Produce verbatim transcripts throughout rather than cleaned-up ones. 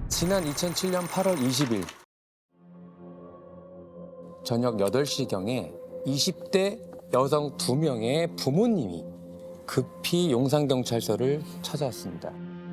지난 이천칠 년 팔월 이십일 저녁 여덟 시경에 이십 대 여성 두 명의 부모님이 급히 용산경찰서를 찾아왔습니다.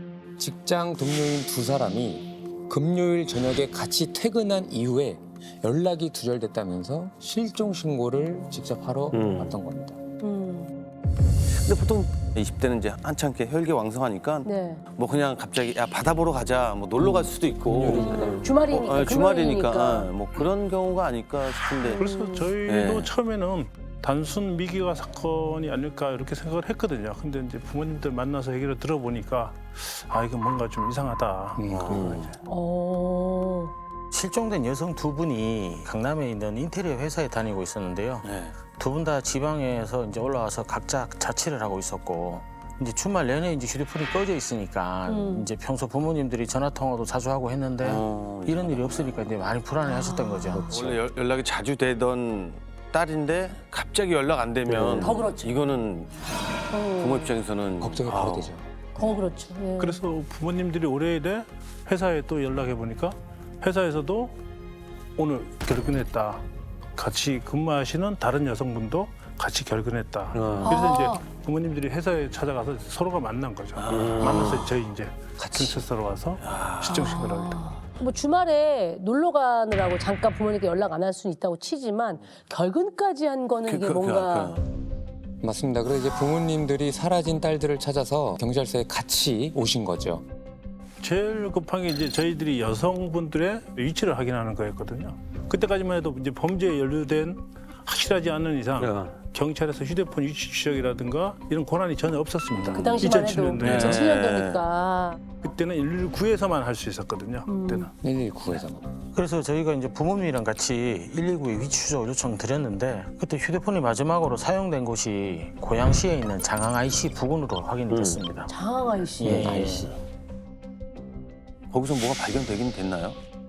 직장 동료인 두 사람이 금요일 저녁에 같이 퇴근한 이후에 연락이 두절됐다면서 실종 신고를 직접 하러 음. 왔던 겁니다. 음. 근데 보통 이십 대는 이제 한창 이렇게 혈기왕성하니까 네. 뭐 그냥 갑자기 야 바다 보러 가자 뭐 놀러 갈 수도 있고 음. 주말이니까. 어, 어, 주말이니까 금요일이니까. 어, 뭐 그런 경우가 아닐까 싶은데 그래서 저희도 네. 처음에는 단순 미기가 사건이 아닐까 이렇게 생각을 했거든요. 근데 이제 부모님들 만나서 얘기를 들어보니까 아 이거 뭔가 좀 이상하다. 음, 음. 어. 실종된 여성 두 분이 강남에 있는 인테리어 회사에 다니고 있었는데요. 네. 두 분 다 지방에서 이제 올라와서 각자 자취를 하고 있었고 이제 주말 내내 이제 휴대폰이 꺼져 있으니까 음. 이제 평소 부모님들이 전화 통화도 자주 하고 했는데 어, 이런 일이 없으니까 이제 많이 불안해하셨던 거죠. 원래 연- 연락이 자주 되던 딸인데 갑자기 연락 안 되면 더 그렇죠. 이거는 부모 입장에서는 걱정이 아우, 바로 되죠. 더 그렇죠. 예. 그래서 부모님들이 올해에 회사에 또 연락해 보니까 회사에서도 오늘 결근했다. 같이 근무하시는 다른 여성분도 같이 결근했다. 그래서 아. 이제 부모님들이 회사에 찾아가서 서로가 만난 거죠. 만나서 저희 이제 경찰서로 와서 실종 신고를 하게 됩니다. 뭐 주말에 놀러 가느라고 잠깐 부모님께 연락 안 할 수는 있다고 치지만 결근까지 한 거는 그, 이게 그, 뭔가 그, 그. 맞습니다. 그래서 이제 부모님들이 사라진 딸들을 찾아서 경찰서에 같이 오신 거죠. 제일 급한 게 이제 저희들이 여성분들의 위치를 확인하는 거였거든요. 그때까지만 해도 이제 범죄에 연루된 확실하지 않은 이상 야. 경찰에서 휴대폰 위치 추적이라든가 이런 권한이 전혀 없었습니다. 그 당시만 해도 이천칠 년도에. 이천칠 년도니까. 그때는 일일구에서만 할 수 있었거든요. 음. 그때는. 일일구에서만. 그래서 저희가 이제 부모님이랑 같이 일일구에 위치 추적 요청 드렸는데 그때 휴대폰이 마지막으로 사용된 곳이 고양시에 있는 장항 아이씨 부근으로 확인이 됐습니다. 장항 아이씨. 예. 아이씨. 거기서 뭐가 발견되긴 됐나요?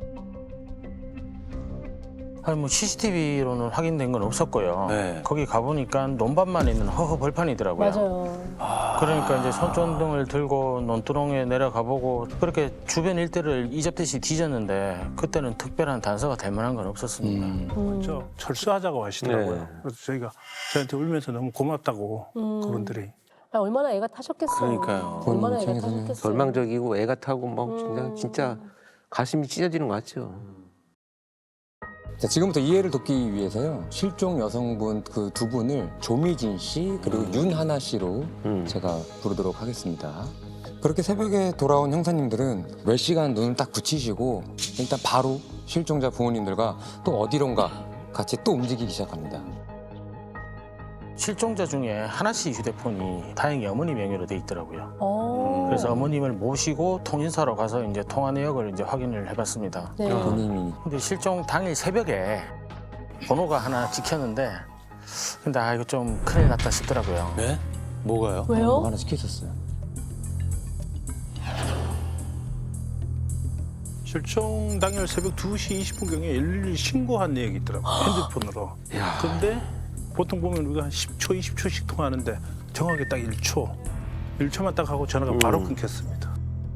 아니 뭐 씨씨티비로는 확인된 건 없었고요. 네. 거기 가보니까 논밭만 있는 허허 벌판이더라고요. 맞아요. 그러니까 이제 손전등을 들고 논두렁에 내려가보고 그렇게 주변 일대를 이잡듯이 뒤졌는데 그때는 특별한 단서가 될 만한 건 없었습니다. 음. 음. 저 철수하자고 하시더라고요. 네. 그래서 저희가 저한테 울면서 너무 고맙다고 음. 그분들이. 아, 얼마나 애가 타셨겠어. 그러니까요. 얼마나 애가 입장에서는 타셨겠어. 절망적이고 애가 타고 막 진짜, 음. 진짜 가슴이 찢어지는 것 같죠. 자, 지금부터 이해를 돕기 위해서요. 실종 여성분 그 두 분을 조미진 씨 그리고 윤하나 씨로 음. 제가 부르도록 하겠습니다. 그렇게 새벽에 돌아온 형사님들은 몇 시간 눈을 딱 붙이시고 일단 바로 실종자 부모님들과 또 어디론가 같이 또 움직이기 시작합니다. 실종자 중에 하나 씨 휴대폰이 다행히 어머니 명의로 돼 있더라고요. 어. 그래서 어머님을 모시고 통신사로 가서 이제 통화 내역을 이제 확인을 해봤습니다. 네. 본인이 근데 실종 당일 새벽에 번호가 하나 찍혔는데 근데 아 이거 좀 큰일 났다 싶더라고요. 네? 뭐가요? 뭐 왜요? 하나 시키셨어요. 실종 당일 새벽 두 시 이십 분경에 일일이 신고한 내역이 있더라고요. 핸드폰으로. 근데 보통 보면 우리가 한 십 초, 이십 초씩 통화하는데 정확하게 딱 일 초. 일 초만 딱 하고 전화가 바로 음. 끊겼습니다.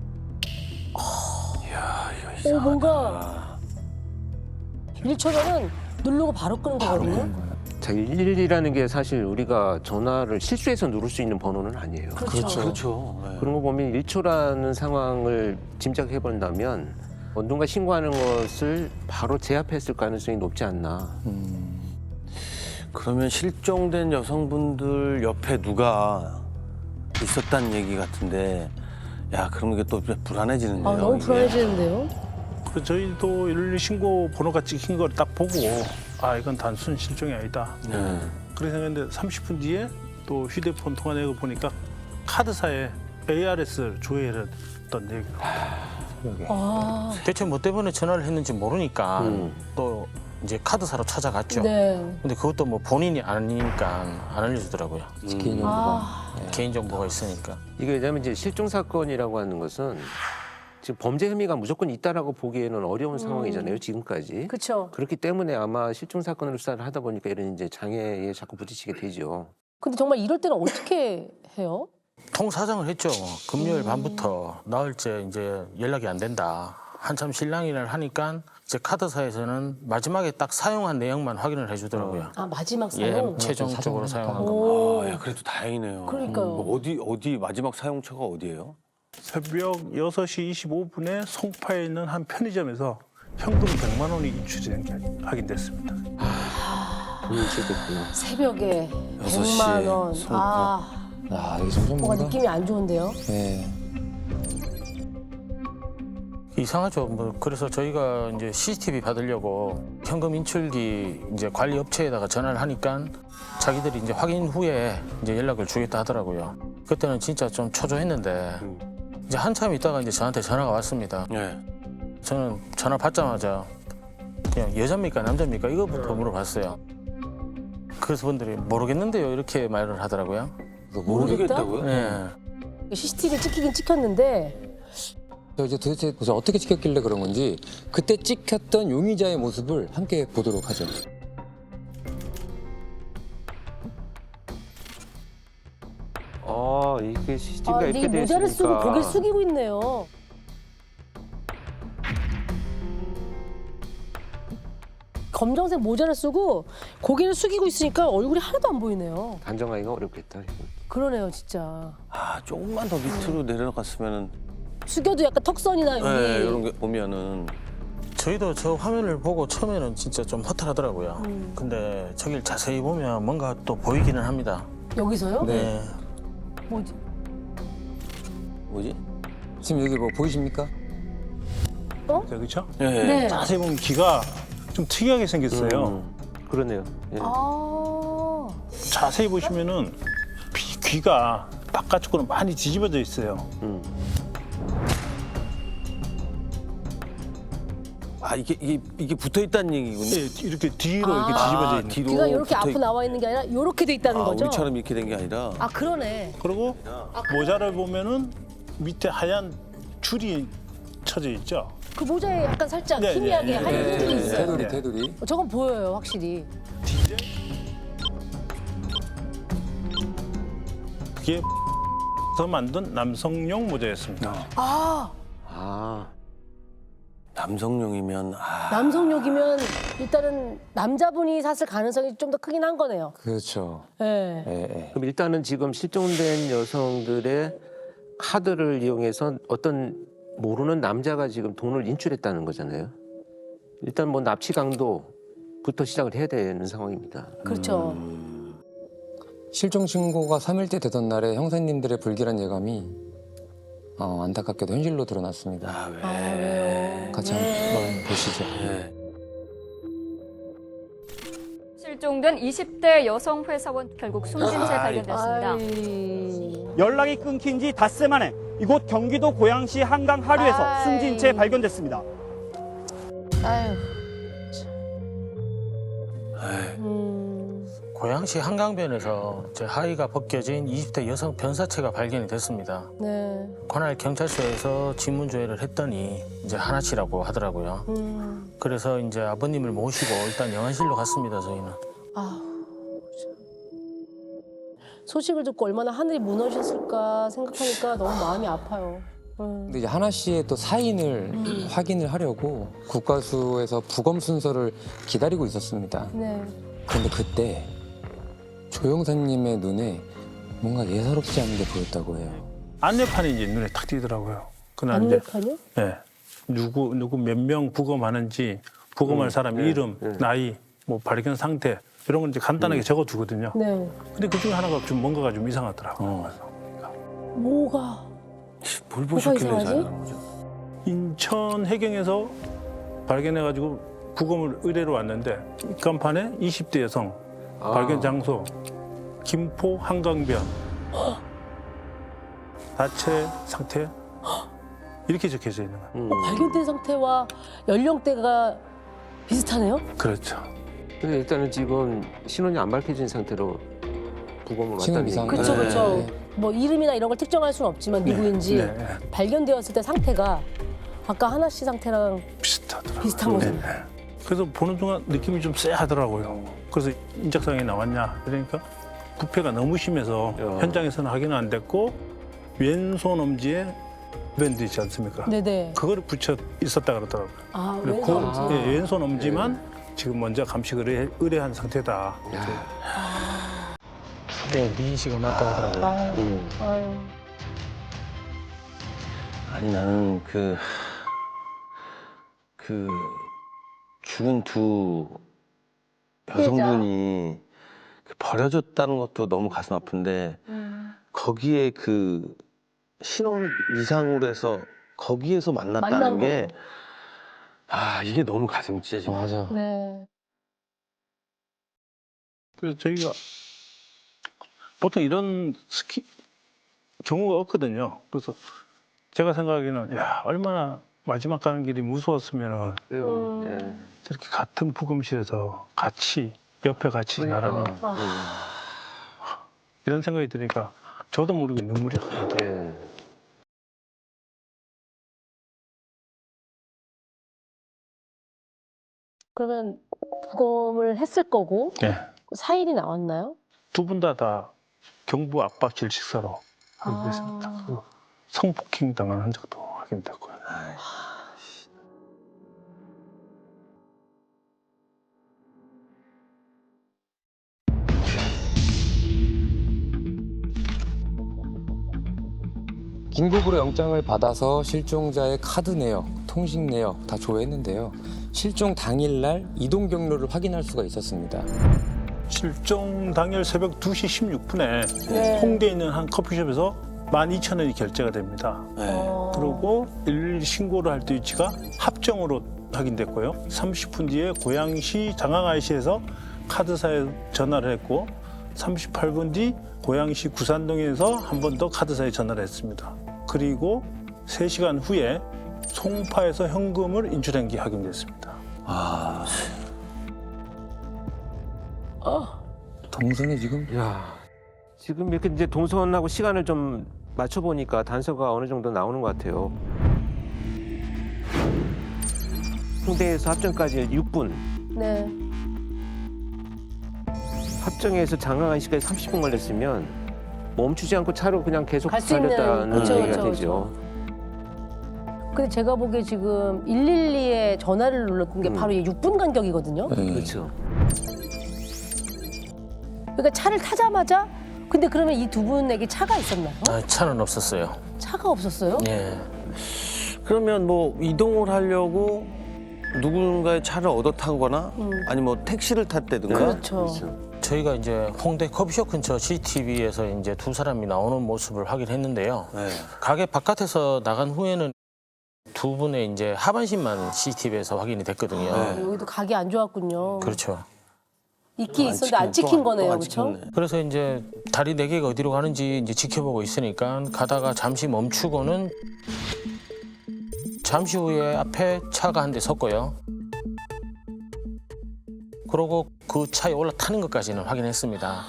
오, 뭔가 일 초면은 누르고 바로 끄는 거거든요. 자, 일일이라는 게 사실 우리가 전화를 실수해서 누를 수 있는 번호는 아니에요. 그렇죠. 그렇죠. 네. 그런 거 보면 일 초라는 상황을 짐작해 본다면 누군가 신고하는 것을 바로 제압했을 가능성이 높지 않나. 음. 그러면 실종된 여성분들 옆에 누가 있었다는 얘기 같은데 야 그럼 이게 또 불안해지는데요. 아, 너무 이게. 불안해지는데요? 그래서 저희도 일일이 신고 번호가 찍힌 걸 딱 보고 아 이건 단순 실종이 아니다. 네. 그렇게 생각했는데 삼십 분 뒤에 또 휴대폰 통화 내역을 보니까 카드사에 에이아르에스를 조회했던 내역이라고. 아, 대체 뭐 때문에 전화를 했는지 모르니까 음. 또 이제 카드사로 찾아갔죠. 네. 근데 그것도 뭐 본인이 아니니까 안 알려주더라고요. 개인정보가. 아, 개인정보가 있으니까. 이게 왜냐하면 이제 실종 사건이라고 하는 것은 지금 범죄 혐의가 무조건 있다라고 보기에는 어려운 상황이잖아요. 지금까지. 그렇죠. 그렇기 때문에 아마 실종 사건을 수사를 하다 보니까 이런 이제 장애에 자꾸 부딪히게 되죠. 근데 정말 이럴 때는 어떻게 해요? 통사정을 했죠. 금요일 밤부터 나흘째 이제 연락이 안 된다. 한참 실랑이를 하니까 이제 카드사에서는 마지막에 딱 사용한 내용만 확인을 해주더라고요. 아 마지막 예, 사용. 최종적으로 사용한 거. 오. 아, 야, 그래도 다행이네요. 그러니까요. 뭐 어디 어디 마지막 사용처가 어디예요? 새벽 여섯 시 이십오 분에 송파에 있는 한 편의점에서 현금 백만 원이 인출이 된 게 확인됐습니다. 돈이 인출됐구나. 새벽에 여섯 시에 백만 원. 송파. 아, 아, 이게 점점 뭔가 뭔가 느낌이 안 좋은데요? 네. 이상하죠. 뭐 그래서 저희가 이제 씨씨티비 받으려고 현금 인출기 이제 관리 업체에다가 전화를 하니까 자기들이 이제 확인 후에 이제 연락을 주겠다 하더라고요. 그때는 진짜 좀 초조했는데 이제 한참 있다가 이제 저한테 전화가 왔습니다. 네. 저는 전화 받자마자 그냥 여자입니까 남자입니까 이거부터 물어봤어요. 그래서 분들이 모르겠는데요 이렇게 말을 하더라고요. 모르겠다고요? 네. 씨씨티비 찍히긴 찍혔는데 저 이제 도대체 도대체 어떻게 찍혔길래 그런 건지 그때 찍혔던 용의자의 모습을 함께 보도록 하죠. 아, 이게 씨씨티비가 아, 근데 이 이렇게 돼 모자를 쓰고 있으니까. 고개를 숙이고 있네요. 검정색 모자를 쓰고 고개를 숙이고 있으니까 얼굴이 하나도 안 보이네요. 단정하기가 어렵겠다. 이거. 그러네요, 진짜. 아, 조금만 더 밑으로 내려갔으면은 숙여도 약간 턱선이나 여기. 네, 이런 게 보면은 저희도 저 화면을 보고 처음에는 진짜 좀 허탈하더라고요. 음. 근데 저길 자세히 보면 뭔가 또 보이기는 합니다. 여기서요? 네. 뭐지? 뭐지? 지금 여기 뭐 보이십니까? 그렇죠? 네. 네. 자세히 보면 귀가 좀 특이하게 생겼어요. 음, 그러네요. 예. 아. 자세히 보시면은 귀- 귀가 바깥쪽으로 많이 뒤집어져 있어요. 음. 아, 이게 이게 이게 붙어 있다는 얘기군요. 네, 이렇게 뒤로 아. 이렇게 뒤집어져 있는. 뒤로 귀가 이렇게 붙어 앞으로 있- 나와 있는 게 아니라 이렇게 돼 있다는 아, 거죠? 우리처럼 이렇게 된 게 아니라. 아, 그러네. 그리고 모자를 보면은 밑에 하얀 줄이 쳐져 있죠. 그 모자에 약간 살짝 네, 희미하게 네, 하얀 네, 흔적이 네, 있어요. 테두리, 네. 테두리. 어, 저건 보여요, 확실히. 그게 서 만든 남성용 모자였습니다. 아, 아, 남성용이면 아, 남성욕이면 일단은 남자분이 샀을 가능성이 좀 더 크긴 한 거네요. 그렇죠. 예. 예, 예. 그럼 일단은 지금 실종된 여성들의 카드를 이용해서 어떤 모르는 남자가 지금 돈을 인출했다는 거잖아요. 일단 뭐 납치 강도부터 시작을 해야 되는 상황입니다. 그렇죠. 실종 신고가 삼 일째 되던 날에 형사님들의 불길한 예감이 어, 안타깝게도 현실로 드러났습니다. 아, 왜? 아, 왜요? 같이 네. 한번 보시죠. 네. 실종된 이십 대 여성 회사원 결국 숨진 채 발견됐습니다. 아이. 연락이 끊긴 지 닷새 만에 이곳 경기도 고양시 한강 하류에서 아이. 숨진 채 발견됐습니다. 아유. 에이, 음. 고양시 한강변에서 제 하의가 벗겨진 이십 대 여성 변사체가 발견이 됐습니다. 네. 관할 경찰서에서 지문 조회를 했더니 이제 하나치라고 하더라고요. 음. 그래서 이제 아버님을 모시고 일단 영안실로 갔습니다. 저희는. 아우. 참. 소식을 듣고 얼마나 하늘이 무너졌을까 생각하니까 너무 마음이 아파요. 음. 근데 이제 하나 씨의 또 사인을 확인을 하려고 국과수에서 부검 순서를 기다리고 있었습니다. 네. 그런데 그때 조 형사님의 눈에 뭔가 예사롭지 않은 게 보였다고 해요. 안내판이 이제 눈에 탁 띄더라고요. 그날 이제 안내판이요? 네, 누구 누구 몇 명 부검하는지 부검할 사람 이름, 나이, 뭐 발견 상태 이런 걸 이제 간단하게 적어두거든요. 네. 근데 그 중에 하나가 좀 뭔가가 좀 이상하더라고요. 뭐가? 뭘 뭐가 보셨길래 이상하지? 자연한 거죠? 인천 해경에서 발견해가지고 부검을 의뢰로 왔는데 입간판에 이십 대 여성 아. 발견 장소 김포 한강변 자체 상태 이렇게 적혀져 있는 거예요. 음. 발견된 상태와 연령대가 비슷하네요? 그렇죠. 근데 일단은 지금 신원이 안 밝혀진 상태로 부검을 신원 왔다는 이상. 얘기죠. 그렇죠, 네. 그렇죠. 뭐 이름이나 이런 걸 특정할 수는 없지만 누구인지 네, 네. 발견되었을 때 상태가 아까 하나 씨 상태랑 비슷하더라고요. 비슷한 거죠. 네, 네. 그래서 보는 동안 느낌이 좀 쎄하더라고요. 그래서 인적사항이 나왔냐 그러니까 부패가 너무 심해서 야. 현장에서는 확인은 안 됐고 왼손 엄지에 밴드 있지 않습니까? 네네. 그거를 붙여 있었다 그러더라고요. 아, 그리고 왼손 그, 엄지. 예, 왼손 엄지만 지금 먼저 감식 의뢰, 의뢰한 상태다. 네, 미인식을 맞다 하더라고요. 음. 아유. 아니 나는 그, 그 죽은 두 여성분이 그 버려졌다는 것도 너무 가슴 아픈데 거기에 그 신혼 이상으로 해서 거기에서 만났다는 만난 게 아, 이게 너무 가슴 찢어져. 맞아. 네. 그래서 저희가 보통 이런 스키 경우가 없거든요. 그래서 제가 생각하기에는 야 얼마나 마지막 가는 길이 무서웠으면 그리고 음. 예. 저렇게 같은 부검실에서 같이 옆에 같이 나라는 아. 이런 생각이 드니까 저도 모르게 눈물이 나더라고요. 예. 그러면 부검을 했을 거고 네. 사인이 나왔나요? 두 분 다 다 경부 압박질 식사로 아. 됐습니다. 성폭행 당한 흔적도 확인됐고요. 긴급으로 영장을 받아서 실종자의 카드 내역, 통신 내역 다 조회했는데요. 실종 당일날 이동 경로를 확인할 수가 있었습니다. 실종 당일 새벽 두 시 십육 분에 네. 홍대에 있는 한 커피숍에서 만 이천 원이 결제가 됩니다. 어. 그리고 일일이 신고를 할 때 위치가 합정으로 확인됐고요. 삼십 분 뒤에 고양시 장항아이시에서 카드사에 전화를 했고 삼십팔 분 뒤 고양시 구산동에서 한 번 더 카드사에 전화를 했습니다. 그리고 세 시간 후에 송파에서 현금을 인출한 게 확인됐습니다. 아, 동선이 지금 야, 지금 이렇게 이제 동선하고 시간을 좀 맞춰 보니까 단서가 어느 정도 나오는 것 같아요. 홍대에서 합정까지 육 분, 네. 합정에서 장항아이시까지 삼십 분 걸렸으면 멈추지 않고 차로 그냥 계속 갈수 있는, 달렸다는 그쵸, 얘기가 그쵸, 되죠. 근데 제가 보기에 지금 일일이에 전화를 눌렀던 게 음. 바로 육 분 간격이거든요. 네. 그렇죠. 그러니까 차를 타자마자 근데 그러면 이 두 분에게 차가 있었나요? 아, 차는 없었어요. 차가 없었어요? 예. 그러면 뭐 이동을 하려고 누군가의 차를 얻어 타거나 음. 아니 뭐 택시를 탔다든가 그렇죠. 저희가 이제 홍대 커피숍 근처 씨씨티비에서 이제 두 사람이 나오는 모습을 확인했는데요. 네. 가게 바깥에서 나간 후에는 두 분의 이제 하반신만 씨씨티비에서 확인이 됐거든요. 아, 여기도 각이 안 좋았군요. 그렇죠. 있긴 안 있었는데 안 찍히네. 찍힌 또 안- 거네요, 또안 그렇죠? 찍혔네. 그래서 이제 다리 네 개가 어디로 가는지 이제 지켜보고 있으니까 가다가 잠시 멈추고는 잠시 후에 앞에 차가 한 대 섰고요. 그러고 그 차에 올라타는 것까지는 확인했습니다.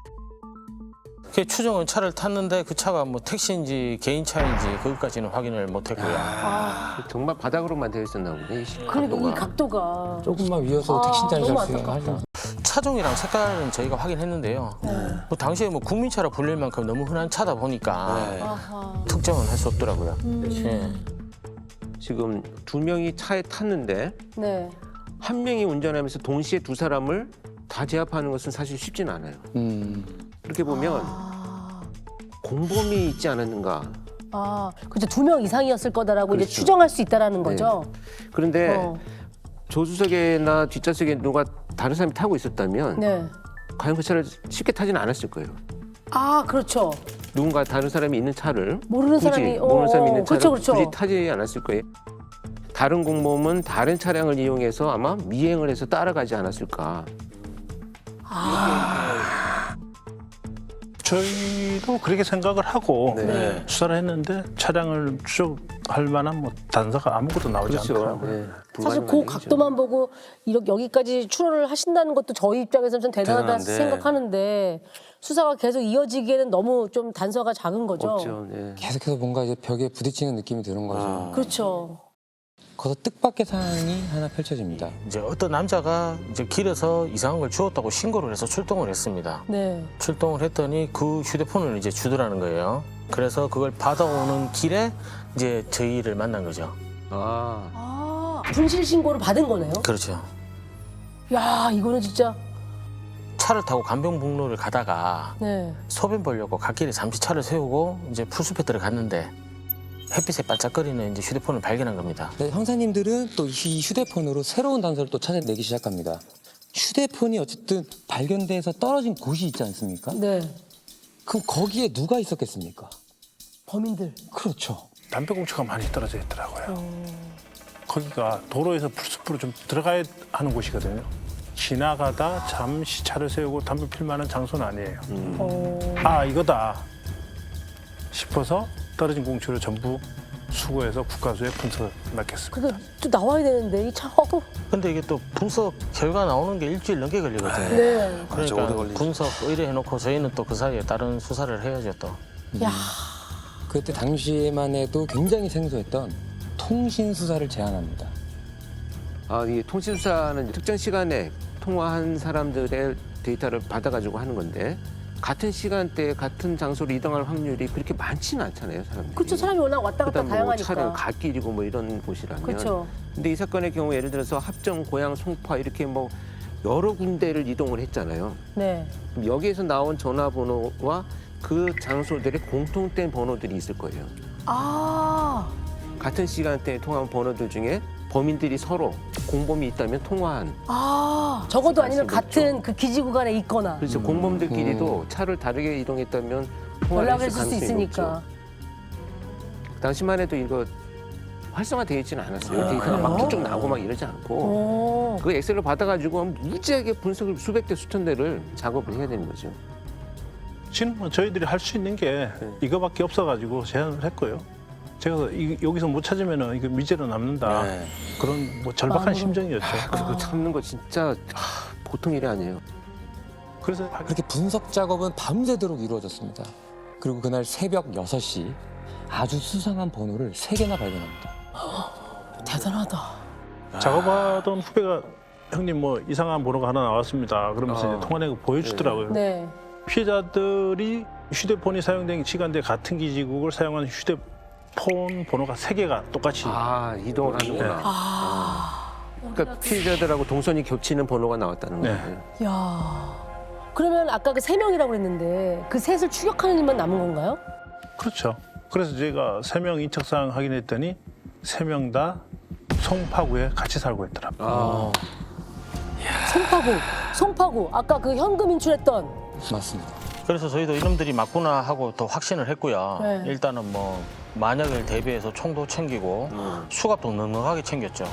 그 추정은 차를 탔는데 그 차가 뭐 택시인지 개인 차인지 그것까지는 확인을 못했고요. 아, 정말 바닥으로만 되어 있었나 보네. 이 그러니까 이 각도가. 각도가. 조금만 위여서 아, 택시인지 너무 아닌지 안타깝다. 하죠. 차종이랑 색깔은 저희가 확인했는데요. 뭐 당시에 뭐 국민차라 불릴 만큼 너무 흔한 차다 보니까 네. 아하. 특정은 할 수 없더라고요. 음. 예. 지금 두 명이 차에 탔는데 네. 한 명이 운전하면서 동시에 두 사람을 다 제압하는 것은 사실 쉽지는 않아요. 음. 그렇게 보면 아, 공범이 있지 않았는가. 아 그렇죠. 두 명 이상이었을 거다라고 이제 그렇죠. 추정할 수 있다라는 거죠. 그런데 어. 조수석에나 뒷좌석에 누가 다른 사람이 타고 있었다면 네. 과연 그 차를 쉽게 타지는 않았을 거예요. 아 그렇죠. 누군가 다른 사람이 있는 차를 모르는 굳이 사람이 모르는 사람이 있는 어, 차를 그렇죠, 그렇죠. 굳이 타지 않았을 거예요. 다른 공범은 다른 차량을 이용해서 아마 미행을 해서 따라가지 않았을까. 저희도 그렇게 생각을 하고 네. 수사를 했는데 차량을 추적할 만한 뭐 단서가 아무것도 나오지 그렇죠. 않더라고요. 네. 사실 그 불가능한 각도만 보고 이렇게 여기까지 출혈을 하신다는 것도 저희 입장에서는 좀 대단하다 대단한데. 생각하는데 수사가 계속 이어지기에는 너무 좀 단서가 작은 거죠. 없죠. 네. 계속해서 뭔가 이제 벽에 부딪히는 느낌이 드는 거죠. 아. 그렇죠. 거기서 뜻밖의 상황이 하나 펼쳐집니다. 이제 어떤 남자가 이제 길에서 이상한 걸 주웠다고 신고를 해서 출동을 했습니다. 네. 출동을 했더니 그 휴대폰을 이제 주더라는 거예요. 그래서 그걸 받아오는 길에 이제 저희를 만난 거죠. 아, 아, 분실 신고를 받은 거네요. 그렇죠. 야, 이거는 진짜. 차를 타고 간병북로를 가다가 네. 소변 보려고 갓길에 잠시 차를 세우고 이제 풀숲에 들어갔는데 햇빛에 반짝거리는 이제 휴대폰을 발견한 겁니다. 네, 형사님들은 또 이 휴대폰으로 새로운 단서를 또 찾아내기 시작합니다. 휴대폰이 어쨌든 발견돼서 떨어진 곳이 있지 않습니까? 네. 그럼 거기에 누가 있었겠습니까? 범인들. 그렇죠. 담배꽁초가 많이 떨어져 있더라고요. 거기가 도로에서 풀숲으로 좀 들어가야 하는 곳이거든요. 지나가다 잠시 차를 세우고 담배 필 만한 장소는 아니에요. 어. 아, 이거다 싶어서 떨어진 공초를 전부 수거해서 국가수에 분석을 맡겼습니다. 근데 또 나와야 되는데 이 차. 어. 근데 이게 또 분석 결과 나오는 게 일주일 넘게 걸리거든요. 네. 그러니까 분석 의뢰해놓고 저희는 또 그 사이에 다른 수사를 해야죠 또. 야. 그때 당시에만 해도 굉장히 생소했던 통신 수사를 제안합니다. 아, 이 통신사는 특정 시간에 통화한 사람들의 데이터를 받아가지고 하는 건데 같은 시간대에 같은 장소로 이동할 확률이 그렇게 많지는 않잖아요, 사람들이. 그렇죠. 사람이 워낙 왔다 갔다 그다음 뭐 다양하니까. 차량 갓길이고 뭐 이런 곳이라면. 그렇죠. 근데 이 사건의 경우 예를 들어서 합정, 고양, 송파 이렇게 뭐 여러 군데를 이동을 했잖아요. 네. 그럼 여기에서 나온 전화번호와 그 장소들의 공통된 번호들이 있을 거예요. 아. 같은 시간대에 통화한 번호들 중에 범인들이 서로 공범이 있다면 통화한. 아. 적어도 아니면 알 수가 같은 그 기지 구간에 있거나 그래서 음. 공범들끼리도 차를 다르게 이동했다면 통화를 연락을 했을 할 수 가능성이 있으니까. 높죠. 당시만 해도 이거 활성화되어 있지는 않았어요. 아, 데이터가 그래요? 막 쭉쭉 나오고 막 이러지 않고. 오. 그 엑셀을 받아가지고 무지하게 분석을 수백 대 수천 대를 작업을 해야 되는 거죠. 지금 뭐 저희들이 할 수 있는 게 네. 이거밖에 없어가지고 제안을 했고요. 제가 이- 여기서 못 찾으면 이거 미제로 남는다. 네. 그런 뭐 절박한 마음으로. 심정이었죠. 그거 참는 거 진짜 하, 보통 일이 아니에요. 그래서 그렇게 분석 작업은 밤새도록 이루어졌습니다. 그리고 그날 새벽 여섯 시 아주 수상한 번호를 세 개나 발견합니다. 대단하다. 작업하던 후배가 형님 뭐 이상한 번호가 하나 나왔습니다. 그러면서 어. 이제 통화내고 보여주더라고요. 네. 피해자들이 휴대폰이 사용된 시간대 같은 기지국을 사용한 휴대폰 번호가 세 개가 똑같이 아, 이동을 하는구나. 아. 그러니까 피해자들하고 동선이 겹치는 번호가 나왔다는 네. 거예요. 야. 그러면 아까 그 세 명이라고 그랬는데 그 셋을 추격하는 일만 남은 건가요? 그렇죠. 그래서 제가 세 명 인적사항 확인했더니 세 명 다 송파구에 같이 살고 있더라고요. 아, 송파구. 송파구. 아까 그 현금 인출했던. 맞습니다. 그래서 저희도 이놈들이 맞구나 하고 더 확신을 했고요. 네. 일단은 뭐 만약을 대비해서 총도 챙기고 음. 수갑도 넉넉하게 챙겼죠.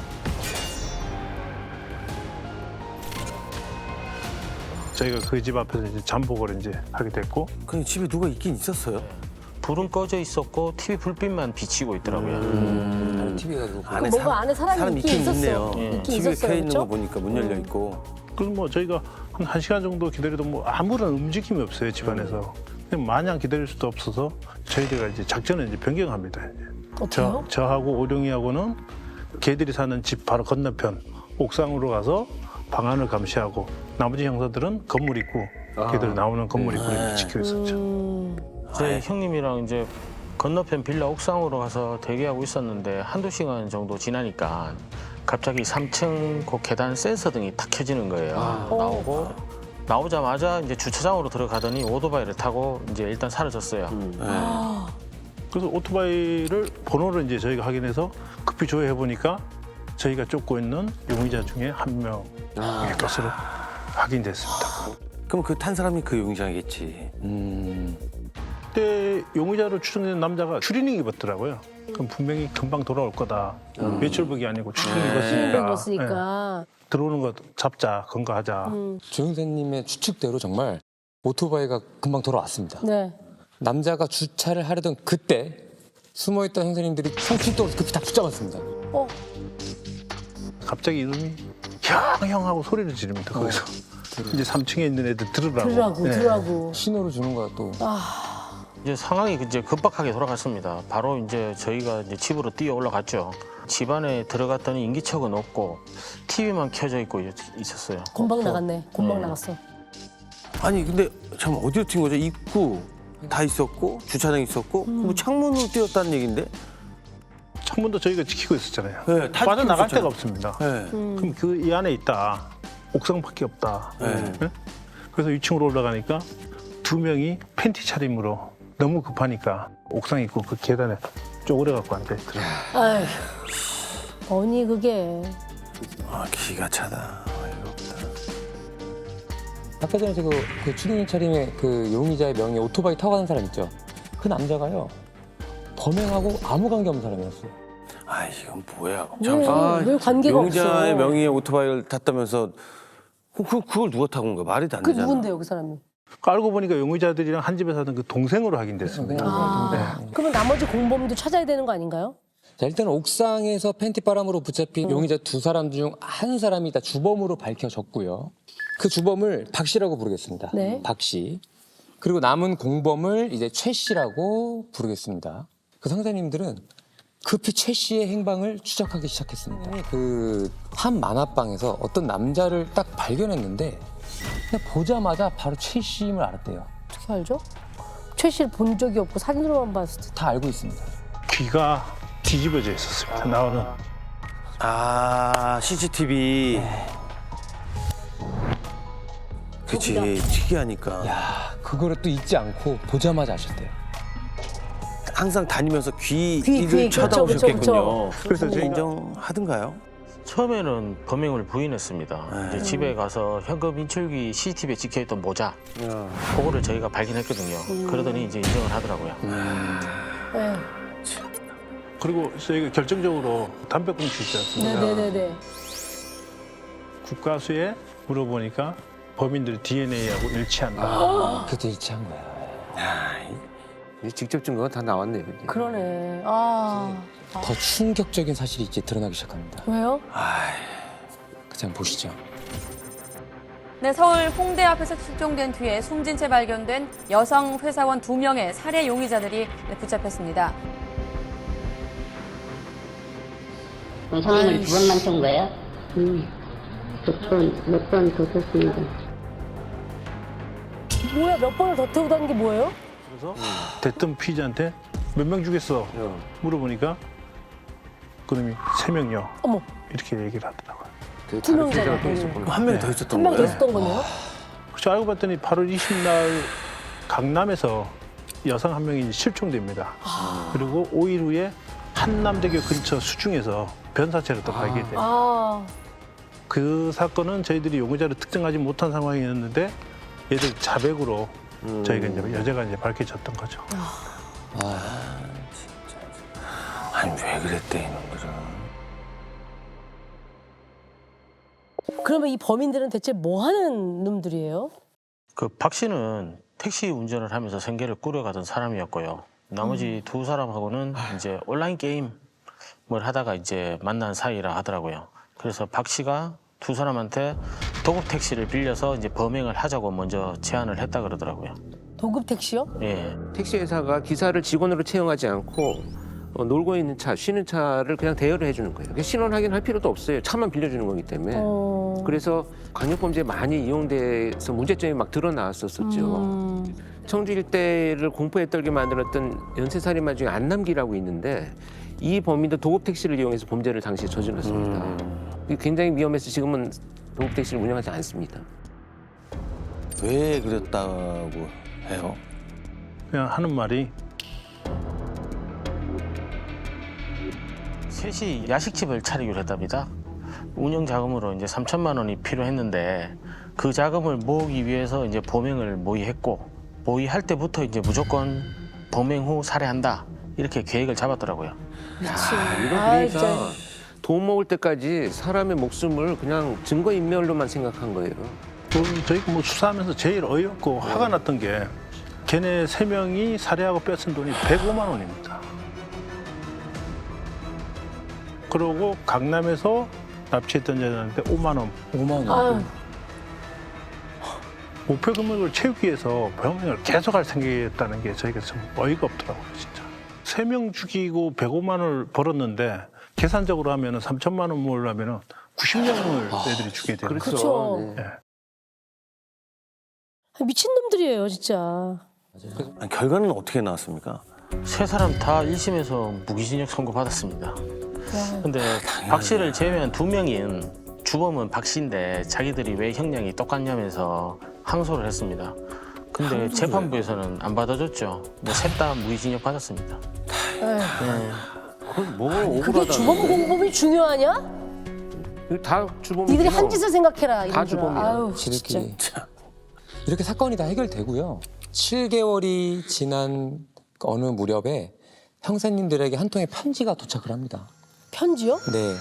저희가 그 집 앞에서 이제 잠복을 이제 하게 됐고 그냥 집에 누가 있긴 있었어요? 불은 꺼져 있었고 티비 불빛만 비치고 있더라고요. 음. 티비가 그 뭔가 안에 사람이 사람 있긴 있긴 있었어. 있네요. 예. 있긴 티비에 있었어요. 켜 있는 그렇죠? 거 보니까 문 열려 있고. 그래서 뭐 저희가 한 한 시간 정도 기다려도 뭐 아무런 움직임이 없어요 집안에서. 그냥 마냥 기다릴 수도 없어서 저희들가 이제 작전을 이제 변경합니다. 이제. 어때요? 저 저하고 오룡이하고는 걔들이 사는 집 바로 건너편 옥상으로 가서 방안을 감시하고 나머지 형사들은 건물 입구 아. 걔들 나오는 건물 입구를 네. 지키고 있었죠. 음. 저희 형님이랑 이제 건너편 빌라 옥상으로 가서 대기하고 있었는데 한두 시간 정도 지나니까 갑자기 삼 층 그 계단 센서 등이 탁 켜지는 거예요. 나오고 나오자마자 이제 주차장으로 들어가더니 오토바이를 타고 이제 일단 사라졌어요. 음. 아. 그래서 오토바이를 번호를 이제 저희가 확인해서 급히 조회해 보니까 저희가 쫓고 있는 용의자 중에 한 명의 아. 것으로 확인됐습니다. 그럼 그 탄 사람이 그 용의자겠지. 음. 그때 용의자로 추정되는 남자가 추리닝 입었더라고요. 그럼 분명히 금방 돌아올 거다. 외출복이 아니고 추리닝 힘을 입었으니까. 예. 입었으니까. 들어오는 거 잡자, 건거하자. 음. 조 형사님의 추측대로 정말 오토바이가 금방 돌아왔습니다. 네. 남자가 주차를 하려던 그때 숨어있던 형사님들이 성출동으로 급히 다 붙잡았습니다. 어. 갑자기 이놈이 형, 형 하고 소리를 지릅니다. 거기서. 이제 삼 층에 있는 애들 들으라고. 들으라고, 네. 들으라고. 신호를 주는 거야 또. 아. 이제 상황이 이제 급박하게 돌아갔습니다. 바로 이제 저희가 이제 집으로 뛰어 올라갔죠. 집 안에 들어갔더니 인기척은 없고 티비만 켜져 있고 있었어요. 금방 나갔네. 금방 네. 나갔어. 아니 근데 참 어디로 튄 거죠? 입구 다 있었고 주차장 있었고 그럼 창문으로 뛰었다는 얘긴데? 창문도 저희가 지키고 있었잖아요. 네, 다 빠져나갈 지키고 데가 없습니다. 네. 그럼 그 이 안에 있다. 옥상밖에 없다. 네. 네? 그래서 이 층으로 올라가니까 두 명이 팬티 차림으로 너무 급하니까 옥상 있고 그 계단에 쪼그려 갖고 앉아 있더라고요. 아휴, 뭐니 그게. 아, 기가 차다. 어이가 없다. 아까 전에 그, 그 추리닝 차림의 그 용의자의 명의 오토바이 타고 가는 사람 있죠. 그 남자가요. 범행하고 아무 관계 없는 사람이었어요. 아, 이건 뭐야? 왜, 왜 관계가 용의자의 없어? 명의의 오토바이를 탔다면서 그, 그, 그걸 누가 타고 온 거야? 말이 안 그 되잖아. 누군데요, 그 사람이? 알고 보니까 용의자들이랑 한 집에 사던 그 동생으로 확인됐습니다. 아, 그러면 나머지 공범도 찾아야 되는 거 아닌가요? 자, 일단 옥상에서 팬티 바람으로 붙잡힌 용의자 두 사람 중 한 사람이 다 주범으로 밝혀졌고요. 그 주범을 박 씨라고 부르겠습니다. 네. 박 씨. 그리고 남은 공범을 이제 최 씨라고 부르겠습니다. 그 상사님들은 급히 최 씨의 행방을 추적하기 시작했습니다. 그 한 만화방에서 어떤 남자를 딱 발견했는데 그냥 보자마자 바로 최 씨임을 알았대요. 어떻게 알죠? 최 씨를 본 적이 없고 사진으로만 봤을 때. 다 알고 있습니다. 귀가 뒤집어져 있었습니다. 나오는. 아, 씨씨티비. 그치, 특이하니까. 야, 그거를 또 잊지 않고 보자마자 아셨대요. 항상 다니면서 귀, 귀를 귀, 그렇죠, 쳐다보셨겠군요. 그렇죠, 그래서 그렇죠. 인정하던가요? 처음에는 범행을 부인했습니다. 이제 집에 가서 현금 인출기 씨씨티비에 찍혀있던 모자, 그거를 저희가 발견했거든요. 그러더니 이제 인정을 하더라고요. 네. 그리고 저희가 결정적으로 담배꽁초 있지 않습니까? 네네네네. 국가수에 물어보니까 범인들이 디엔에이하고 일치한다. 그때 일치한 거야. 이제 직접 증거가 다 나왔네요. 이제. 그러네. 아, 더 충격적인 사실이 이제 드러나기 시작합니다. 왜요? 그 장 보시죠. 네, 서울 홍대 앞에서 실종된 뒤에 숨진 채 발견된 여성 회사원 두 명의 살해 용의자들이 붙잡혔습니다. 상황을 두 번만 쏜 거예요? 음, 두 번, 몇 번 더 썼습니다. 뭐야, 몇 번을 더 태우고 다는 게 뭐예요? 그래서 대뜸 피의자한테 몇 명 죽였어? 물어보니까 그놈이 세 명요. 어머, 이렇게 얘기를 하더라고요. 그 두 다른 명이잖아, 피해자가 또 그러면. 있었구나. 한 명이 더 있었던 한 명 더 거예요? 있었던 거네요? 그래서 알고 봤더니 팔월 이십날 강남에서 여성 한 명이 실종됩니다. 그리고 오 일 후에 한남대교 근처 수중에서 변사체로 또 발견돼요. 아, 그 사건은 저희들이 용의자를 특정하지 못한 상황이었는데 얘들 자백으로 저희가 이제 여자가 이제 밝혀졌던 거죠. 아니, 왜 그랬대, 이놈들은. 그러면 이 범인들은 대체 뭐 하는 놈들이에요? 그 박 씨는 택시 운전을 하면서 생계를 꾸려가던 사람이었고요. 나머지 두 사람하고는 이제 온라인 게임을 하다가 이제 만난 사이라 하더라고요. 그래서 박 씨가 두 사람한테 도급 택시를 빌려서 이제 범행을 하자고 먼저 제안을 했다 그러더라고요. 도급 택시요? 예. 택시 회사가 기사를 직원으로 채용하지 않고 어, 놀고 있는 차, 쉬는 차를 그냥 대여를 해주는 거예요. 그러니까 신원 확인할 필요도 없어요. 차만 빌려주는 거기 때문에. 어... 그래서 강력범죄에 많이 이용돼서 문제점이 막 드러나왔었었죠. 음... 청주 일대를 공포에 떨게 만들었던 연쇄살인마 중에 안남기라고 있는데 이 범인도 도급 택시를 이용해서 범죄를 당시에 저질렀습니다. 음. 굉장히 위험해서 지금은 도급 택시를 운영하지 않습니다. 왜 그랬다고 해요? 그냥 하는 말이 셋이 야식집을 차리기로 했답니다. 운영 자금으로 이제 삼천만 원이 필요했는데 그 자금을 모으기 위해서 이제 범행을 모의했고 모의할 때부터 이제 무조건 범행 후 살해한다 이렇게 계획을 잡았더라고요. 야, 이거 그러니까 돈 모을 때까지 사람의 목숨을 그냥 증거 인멸로만 생각한 거예요. 또 저희가 뭐 수사하면서 제일 어이없고 화가 났던 게 걔네 세 명이 살해하고 뺏은 돈이 백오만 원입니다. 그러고 강남에서 납치했던 여자한테 오만 원. 오만 원. 아유, 목표 금액을 채우기 위해서 범행을 계속할 생각이었다는 게 저희가 좀 어이가 없더라고요, 진짜. 세 명 죽이고 백오만 원을 벌었는데 계산적으로 하면 삼천만 원 모으려면 구십 명을 애들이 죽게 되는 거죠. 그렇죠. 네. 미친 놈들이에요, 진짜. 아니, 결과는 어떻게 나왔습니까? 세 사람 다 일 심에서 무기징역 선고 받았습니다. 근데 박 씨를 제외한 두 명인 주범은 박 씨인데 자기들이 왜 형량이 똑같냐면서 항소를 했습니다. 근데 재판부에서는 안 받아줬죠. 뭐 셋 다 무기징역 받았습니다. 네. 그건 뭐 그게 억울하다. 주범 공범이 중요하냐? 다 주범. 니들이 한 짓을 생각해라. 다 이러더라. 주범이야. 아유, 진짜. 지들끼리. 이렇게 사건이 다 해결되고요. 칠 개월이 지난 어느 무렵에 형사님들에게 한 통의 편지가 도착을 합니다. 편지요? 네.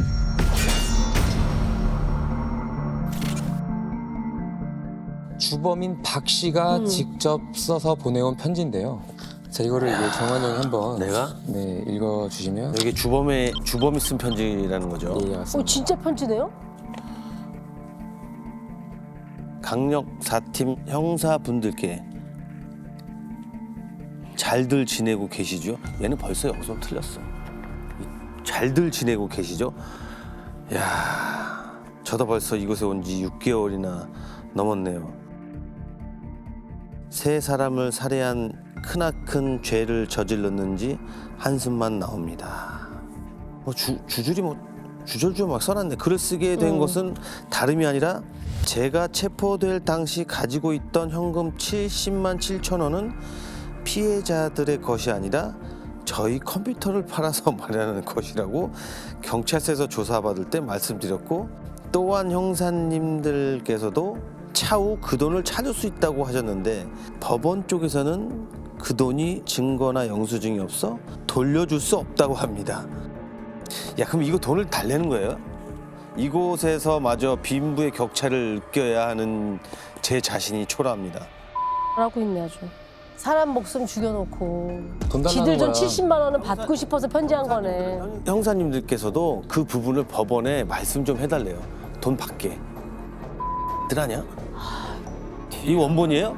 주범인 박 씨가 음. 직접 써서 보내온 편지인데요. 자, 이거를 이제 정환 형이 한번 내가? 네, 읽어주시면. 이게 주범의 주범이 쓴 편지라는 거죠. 네, 어, 맞습니다. 진짜 편지네요? 강력 사 팀 형사분들께 잘들 지내고 계시죠? 얘는 벌써 여기서 틀렸어. 잘들 지내고 계시죠? 야, 저도 벌써 이곳에 온 지 육 개월이나 넘었네요. 세 사람을 살해한 크나큰 죄를 저질렀는지 한숨만 나옵니다. 뭐 주, 주줄이 뭐 주절주절 막 써놨네. 글을 쓰게 된 음. 것은 다름이 아니라 제가 체포될 당시 가지고 있던 현금 칠십만 칠천 원은 피해자들의 것이 아니라 저희 컴퓨터를 팔아서 마련하는 것이라고 경찰서에서 조사받을 때 말씀드렸고, 또한 형사님들께서도 차후 그 돈을 찾을 수 있다고 하셨는데 법원 쪽에서는 그 돈이 증거나 영수증이 없어 돌려줄 수 없다고 합니다. 야, 그럼 이거 돈을 달래는 거예요? 이곳에서 마저 빈부의 격차를 느껴야 하는 제 자신이 초라합니다. 하고 있네 아주. 사람 목숨 죽여놓고 돈 달라는 지들 돈 거야. 칠십만 원은 받고 싶어서 편지한 거네. 형사님들께서도 그 부분을 법원에 말씀 좀 해달래요. 돈 받게. 들하냐? 이 원본이에요?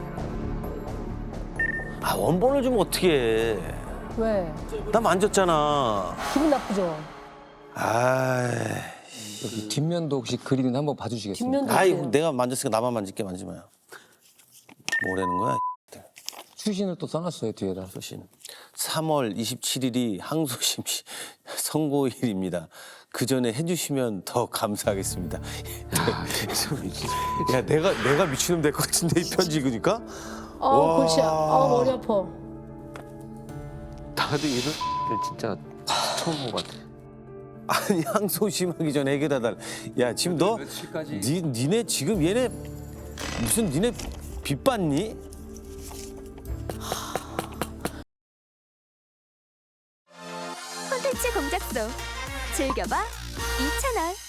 아, 원본을 주면 어떻게 해? 왜? 나 만졌잖아. 기분 나쁘죠? 아, 여기 뒷면도 혹시 그리는 한번 봐주시겠습니까? 뒷면도 아이, 있어요. 내가 만졌으니까 나만 만질게, 만지지 마요. 뭐라는 거야? 추신을 또 써놨어요, 뒤에다. 소신. 삼월 이십칠일이 항소심 시- 선고일입니다. 그 전에 해주시면 더 감사하겠습니다. 야, 내가 내가 미친놈 될 것 같은데 이 편지 읽으니까. 어, 와. 골치, 어, 머리 아파. 나도 이런 일 진짜 처음 본 것 같아. 아니, 항소심하기 전에 해결해 달. 야, 지금 너 니, 니네 지금 얘네 무슨 니네 빚 받니? 콘텐츠 공작소 즐겨봐 이 채널.